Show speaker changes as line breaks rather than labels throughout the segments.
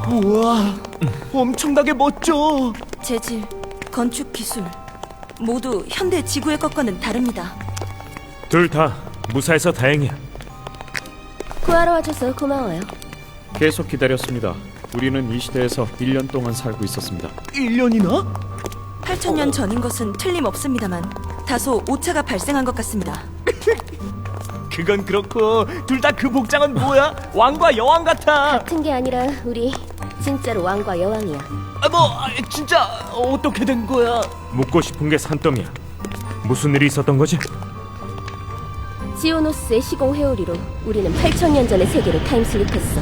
우와, 엄청나게 멋져.
재질, 건축 기술 모두 현대 지구의 것과는 다릅니다.
둘 다 무사해서 다행이야.
구하러 와줘서 고마워요.
계속 기다렸습니다. 우리는 이 시대에서 1년 동안 살고 있었습니다.
1년이나?
8,000년 전인 것은 틀림없습니다만 다소 오차가 발생한 것 같습니다.
그건 그렇고 둘 다 그 복장은 뭐야? 왕과 여왕 같아.
같은 게 아니라 우리 진짜로 왕과 여왕이야.
진짜 어떻게 된 거야?
묻고 싶은 게 산더미야. 무슨 일이 있었던 거지?
지오노스의 시공 회오리로 우리는 8,000년 전의 세계로 타임슬립했어.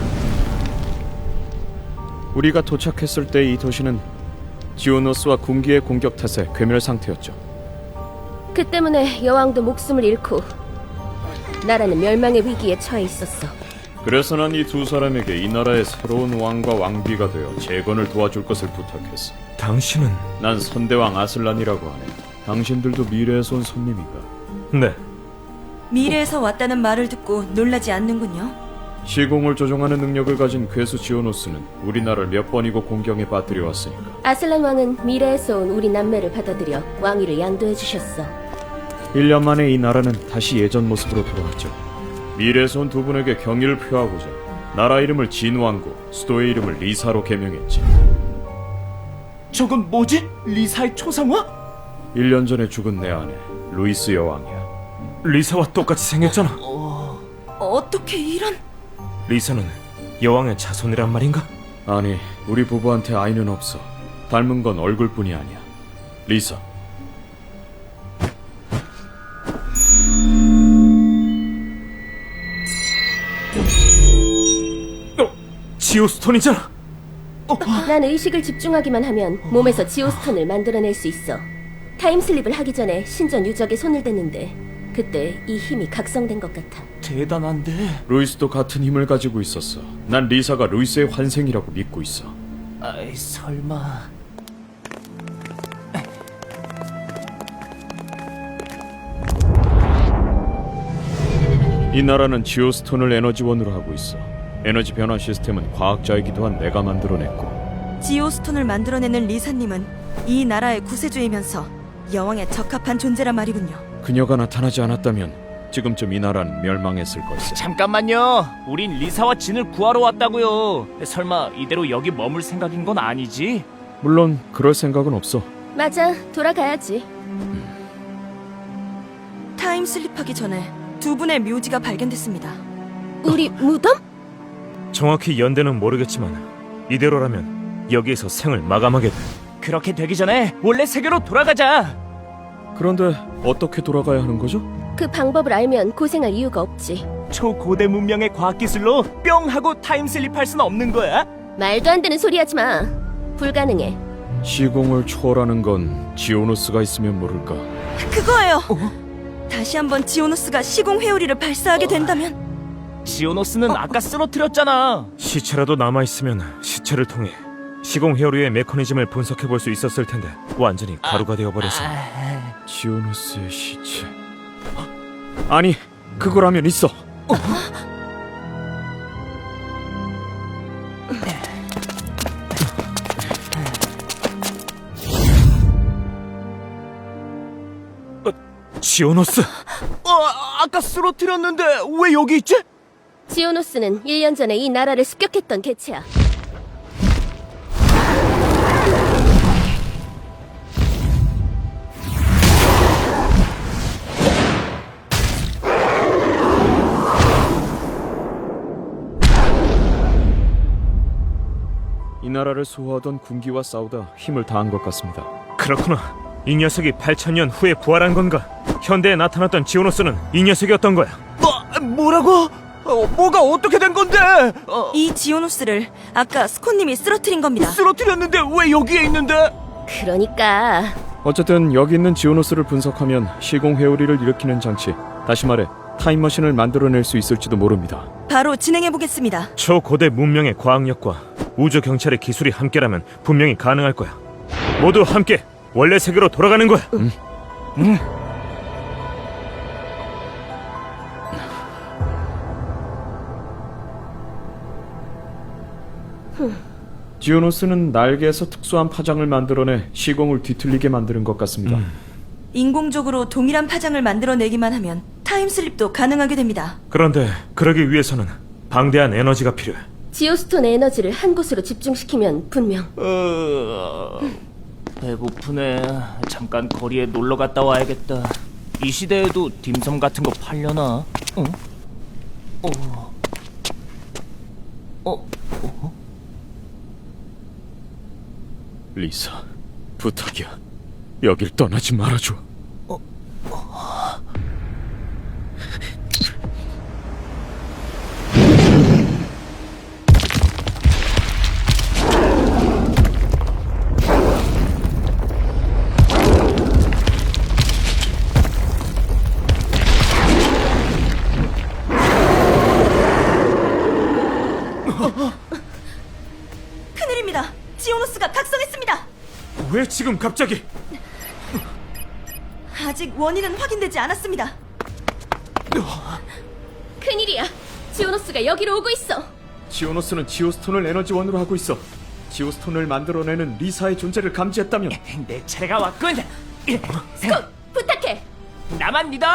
우리가 도착했을 때 이 도시는 지오노스와 군기의 공격 탓에 괴멸 상태였죠.
그 때문에 여왕도 목숨을 잃고 나라는 멸망의 위기에 처해 있었어.
그래서 난 이 두 사람에게 이 나라의 새로운 왕과 왕비가 되어 재건을 도와줄 것을 부탁했어.
당신은?
난 선대왕 아슬란이라고 하네. 당신들도 미래에서 온 손님인가?
네.
미래에서 왔다는 말을 듣고 놀라지 않는군요.
시공을 조종하는 능력을 가진 괴수 지오노스는 우리나라를 몇 번이고 공경에 빠뜨려 왔으니까.
아슬란 왕은 미래에서 온 우리 남매를 받아들여 왕위를 양도해 주셨어.
1년 만에 이 나라는 다시 예전 모습으로 돌아왔죠. 미래에서 온 두 분에게 경의를 표하고자 나라 이름을 진왕국, 수도의 이름을 리사로 개명했지.
저건 뭐지? 리사의 초상화?
1년 전에 죽은 내 아내 루이스 여왕이야.
리사와 똑같이 생겼잖아.
어떻게 이런...
리사는 여왕의 자손이란 말인가?
아니, 우리 부부한테 아이는 없어. 닮은 건 얼굴뿐이 아니야. 리사.
지오스톤이잖아.
난 의식을 집중하기만 하면 몸에서 지오스톤을 만들어낼 수 있어. 타임슬립을 하기 전에 신전 유적에 손을 댔는데 그때 이 힘이 각성된 것 같아.
대단한데.
루이스도 같은 힘을 가지고 있었어. 난 리사가 루이스의 환생이라고 믿고 있어.
아이, 설마.
이 나라는 지오스톤을 에너지원으로 하고 있어. 에너지 변화 시스템은 과학자이기도 한 내가 만들어냈고.
지오스톤을 만들어내는 리사님은 이 나라의 구세주이면서 여왕에 적합한 존재란 말이군요.
그녀가 나타나지 않았다면 지금쯤 이 나라는 멸망했을 걸세.
잠깐만요. 우린 리사와 진을 구하러 왔다고요. 설마 이대로 여기 머물 생각인 건 아니지?
물론 그럴 생각은 없어.
맞아, 돌아가야지.
타임슬립하기 전에 두 분의 묘지가 발견됐습니다.
우리 무덤?
정확히 연대는 모르겠지만 이대로라면 여기에서 생을 마감하게 돼.
그렇게 되기 전에 원래 세계로 돌아가자.
그런데 어떻게 돌아가야 하는 거죠?
그 방법을 알면 고생할 이유가 없지.
초고대 문명의 과학기술로 뿅 하고 타임슬립할 순 없는 거야?
말도 안 되는 소리 하지 마. 불가능해.
시공을 초월하는 건 지오노스가 있으면 모를까.
그거예요. 다시 한번 지오노스가 시공 회오리를 발사하게 된다면
지오노스는 아까 쓰러뜨렸잖아.
시체라도 남아있으면 시체를 통해 시공 회오리의 메커니즘을 분석해볼 수 있었을 텐데 완전히 가루가 되어버려서.
지오노스의 시체. 아니, 그거라면 있어.
지오노스!
아까 쓰러뜨렸는데 왜 여기 있지?
지오노스는 1년 전에 이 나라를 습격했던 개체야.
이 나라를 수호하던 군기와 싸우다 힘을 다한 것 같습니다.
그렇구나. 이 녀석이 8,000년 후에 부활한 건가? 현대에 나타났던 지오노스는 이 녀석이었던 거야.
뭐라고? 뭐가 어떻게 된 건데?
이 지오노스를 아까 스콘님이 쓰러뜨린 겁니다.
쓰러뜨렸는데 왜 여기에 있는데?
그러니까
어쨌든 여기 있는 지오노스를 분석하면 시공 회오리를 일으키는 장치, 다시 말해 타임머신을 만들어낼 수 있을지도 모릅니다.
바로 진행해보겠습니다.
초고대 문명의 과학력과 우주 경찰의 기술이 함께라면 분명히 가능할 거야. 모두 함께 원래 세계로 돌아가는 거야.
지오노스는 날개에서 특수한 파장을 만들어내 시공을 뒤틀리게 만드는 것 같습니다.
인공적으로 동일한 파장을 만들어내기만 하면 타임슬립도 가능하게 됩니다.
그런데 그러기 위해서는 방대한 에너지가 필요해.
지오스톤의 에너지를 한 곳으로 집중시키면 분명
배고프네. 잠깐 거리에 놀러 갔다 와야겠다. 이 시대에도 딤섬 같은 거 팔려나? 어?
리사, 부탁이야. 여길 떠나지 말아줘.
큰일입니다. 지오노스가 각성했습니다.
왜 지금 갑자기?
아직 원인은 확인되지 않았습니다.
큰일이야. 지오노스가 여기로 오고 있어.
지오노스는 지오스톤을 에너지원으로 하고 있어. 지오스톤을 만들어내는 리사의 존재를 감지했다면
내 차례가 왔군.
스콧, 부탁해.
나만 믿어.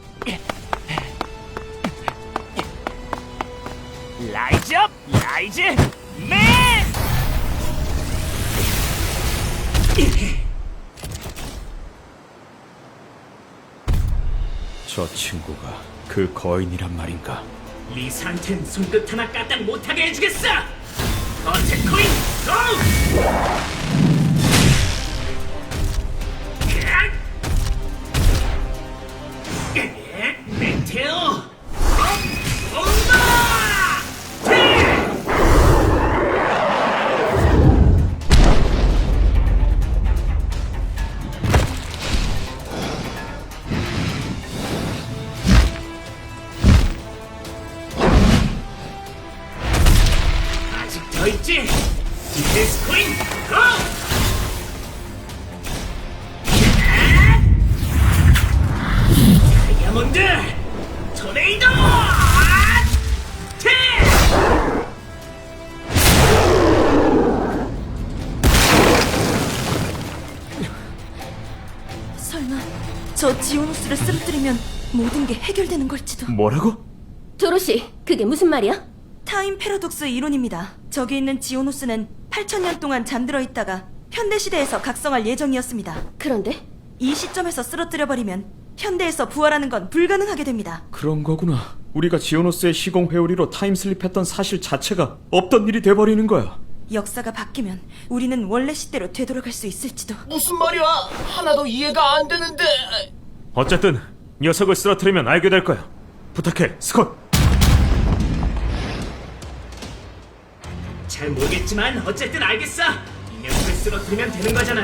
라이즈 업, 라이즈 맨.
저 친구가 그 거인이란 말인가?
리사한텐 손끝 하나 까딱 못하게 해주겠어. 어택 코인 고! 메테오 아직 더 있지? 디펜스 코인 고! 다이아몬드 토네이도
설마 저 지오노스를 쓰러뜨리면 모든 게 해결되는 걸지도.
뭐라고?
도로시, 그게 무슨 말이야?
타임 패러독스 이론입니다. 저기 있는 지오노스는 8,000년 동안 잠들어 있다가 현대시대에서 각성할 예정이었습니다.
그런데
이 시점에서 쓰러뜨려버리면 현대에서 부활하는 건 불가능하게 됩니다.
그런 거구나. 우리가 지오노스의 시공 회오리로 타임슬립했던 사실 자체가 없던 일이 돼버리는 거야.
역사가 바뀌면 우리는 원래 시대로 되돌아갈 수 있을지도.
무슨 말이야? 하나도 이해가 안 되는데.
어쨌든 녀석을 쓰러뜨리면 알게 될 거야. 부탁해, 스콧.
잘 모르겠지만 어쨌든 알겠어. 이 녀석을 쓰러뜨리면 되는 거잖아.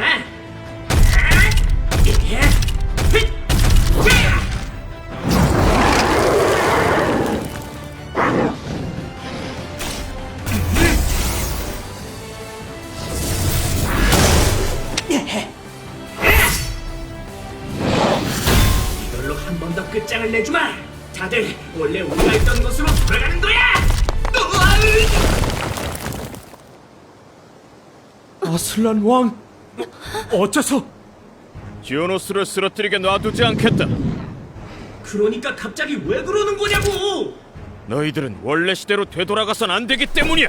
이걸로 한 번 더 끝장을 내주마. 다들 원래 우리가 있던 곳으로 돌아가는 거야.
아슬란 왕!
어째서?
지오노스를 쓰러뜨리게 놔두지 않겠다.
그러니까 갑자기 왜 그러는 거냐고.
너희들은 원래 시대로 되돌아가선 안 되기 때문이야.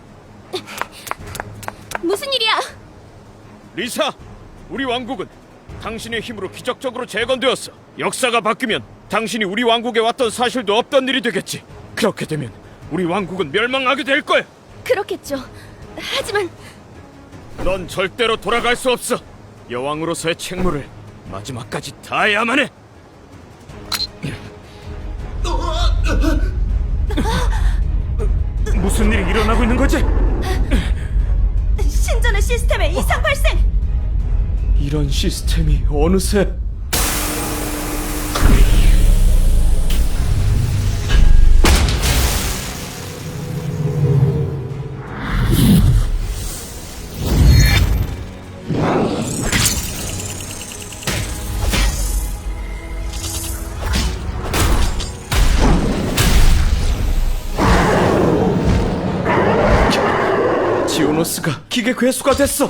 무슨 일이야?
리사, 우리 왕국은 당신의 힘으로 기적적으로 재건되었어. 역사가 바뀌면 당신이 우리 왕국에 왔던 사실도 없던 일이 되겠지. 그렇게 되면 우리 왕국은 멸망하게 될 거야.
그렇겠죠. 하지만
넌 절대로 돌아갈 수 없어. 여왕으로서의 책무를 마지막까지 다해야만 해.
무슨 일이 일어나고 있는 거지?
신전의 시스템에 이상 발생!
이런 시스템이 어느새 지오노스가 기계 괴수가 됐어.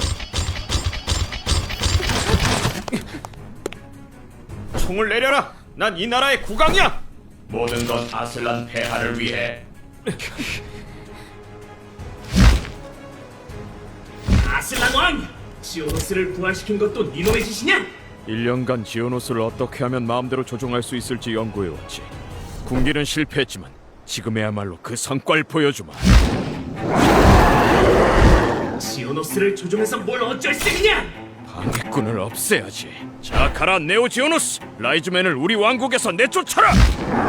총을 내려라. 난 이 나라의 국왕이야.
모든 건 아슬란 폐하를 위해. 아슬란 왕! 지오노스를 부활시킨 것도 니놈의 짓이냐?
1년간 지오노스를 어떻게 하면 마음대로 조종할 수 있을지 연구해왔지. 군기는 실패했지만 지금에야말로 그 성과를 보여주마.
지오노스를 조종해서 뭘 어쩔 셈이냐?
방해꾼을 없애야지. 자, 가라 네오 지오노스. 라이즈맨을 우리 왕국에서 내쫓아라.